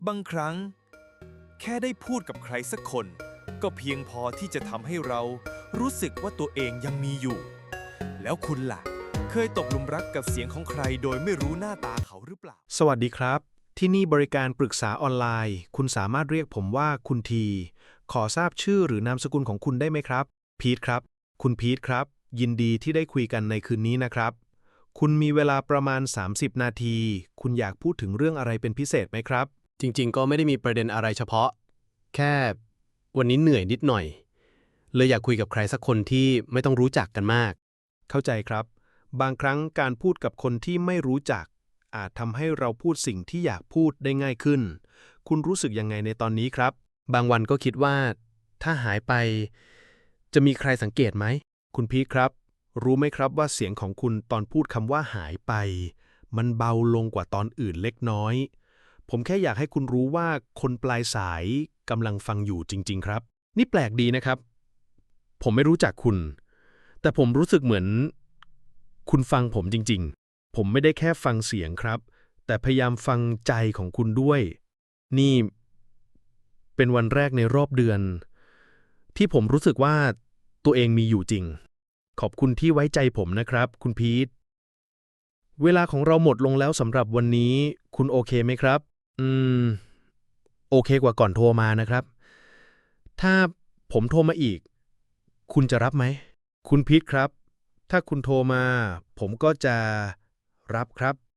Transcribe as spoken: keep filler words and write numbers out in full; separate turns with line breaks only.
บางครั้งแค่ได้พูดกับใครสักคนก็เพียงพอที่จะทำให้เรารู้สึกว่าตัวเองยังมีอยู่ แล้วคุณล่ะ เคยตกหลุมรักกับเสียงของใครโดยไม่รู้หน้าตาเขาหรือเปล่า
สวัสดีครับ ที่นี่บริการปรึกษาออนไลน์ คุณสามารถเรียกผมว่าคุณที ขอทราบชื่อหรือนามสกุลของคุณได้ไหมครับ พีทครับ คุณพีทครับ ยินดีที่ได้คุยกันในคืนนี้นะครับ คุณมีเวลาประมาณ สามสิบ นาที คุณอยากพูดถึงเรื่องอะไรเป็นพิเศษไหมครับ
จริงๆ ก็ไม่ได้มีประเด็นอะไรเฉพาะ แค่วันนี้เหนื่อยนิดหน่อย เลยอยากคุยกับใครสักคนที่ไม่ต้องรู้จักกันมาก
เข้าใจครับ บางครั้งการพูดกับคนที่ไม่รู้จัก อาจทำให้เราพูดสิ่งที่อยากพูดได้ง่ายขึ้น คุณรู้สึกยังไงในตอนนี้ครับ
บางวันก็คิดว่าถ้าหายไปจะมีใครสังเกตไหม
คุณพีทครับ รู้ไหมครับว่าเสียงของคุณตอนพูดคำว่าหายไป มันเบาลงกว่าตอนอื่นเล็กน้อย ผมแค่อยากให้คุณรู้ว่าคนปลายสายกำลังฟังอยู่จริงๆครับ
นี่แปลกดีนะครับ ผมไม่รู้จักคุณ แต่ผมรู้สึกเหมือนคุณฟังผมจริง
ผมไม่ได้แค่ฟังเสียงครับ แต่พยายามฟังใจของคุณด้วย นี่เป็นวันแรกในรอบเดือน ที่ผมรู้สึกว่าตัวเองมีอยู่จริง ขอบคุณที่ไว้ใจผมนะครับ คุณพีท เวลาของเราหมดลงแล้วสำหรับวันนี้ คุณโอเคไหมครับ อืม โอเคกว่าก่อนโทรมานะครับ ถ้าผมโทรมาอีก คุณจะรับไหม คุณพีทครับ ถ้าคุณโทรมา ผมก็จะรับครับ